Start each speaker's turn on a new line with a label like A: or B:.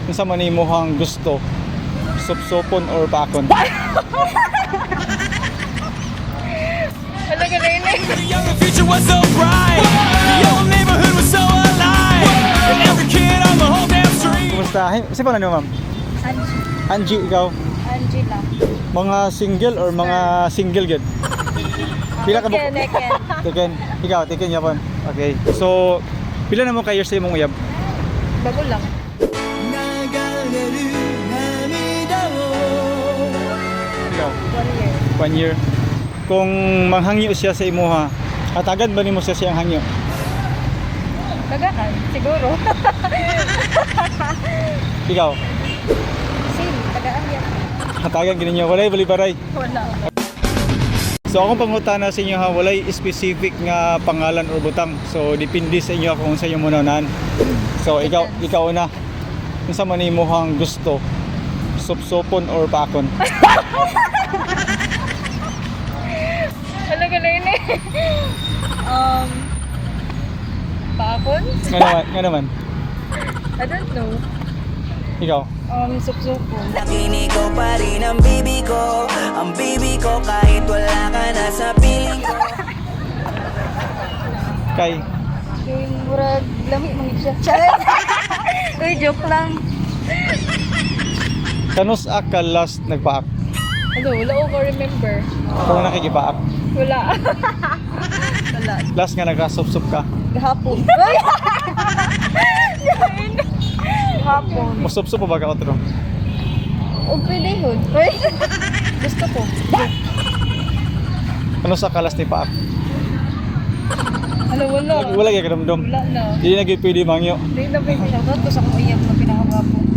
A: Unsa man imong gusto? Supsupon or pakon?
B: Ano ka na yun eh?
C: The younger future was so bright. The old neighborhood was so alive. And every kid on the whole damn street.
A: Kumusta? Si pa na ma'am?
B: Angie.
A: Angie, ikaw?
B: Angela.
A: Mga single or mga single gid? Pila ka
B: Eken.
A: Tiken. Ikaw, tiken yapon. Okay. So, pila na mo ka years sa imong uyab?
B: Bago lang.
A: Ikaw?
B: 1 year.
A: 1 year. Kung manghangyo siya sa imuha, hatagan ba nimo siya siyang hangyo?
B: Tagaan. Siguro.
A: Ikaw?
B: Same. Tagaan yan.
A: Hatagan gininyo walay bali-baray.
B: Wala.
A: So akong pangutana sa inyo ha, walay specific nga pangalan or butang. So depende sa inyo kung sa inyo munanan. So ikaw na. Unsa man imong gusto? Supsupon or pakon?
B: Ano ka na yun eh? Paakon?
A: Nga naman.
B: I don't know.
A: Ikaw?
B: Sup-supo.
C: Nakinig ko pa rin ang baby ko. Ang baby ko kahit wala ka na sa piling ko.
A: Kay?
B: Yung murag lamig mangit siya. Charet! Uy, joke lang.
A: Kanus ka last nagpaak?
B: Ano, wala ko remember.
A: Kung nakikipaak?
B: Wala. Wala.
A: Last nga nagkasup-sup ka?
B: Gahapon. Uy! Gahapon.
A: Musup-sup pa ba ka otro?
B: O pwede yun. Uy! Gusto ko.
A: Kanus ka last ni paak?
B: Ano, wala.
A: Wala kaya kadamdam?
B: Wala na.
A: Hindi na gyud pwede mangyo.
B: Hindi na pwede. Shoutout ko sa kong iyak na pinakagapon.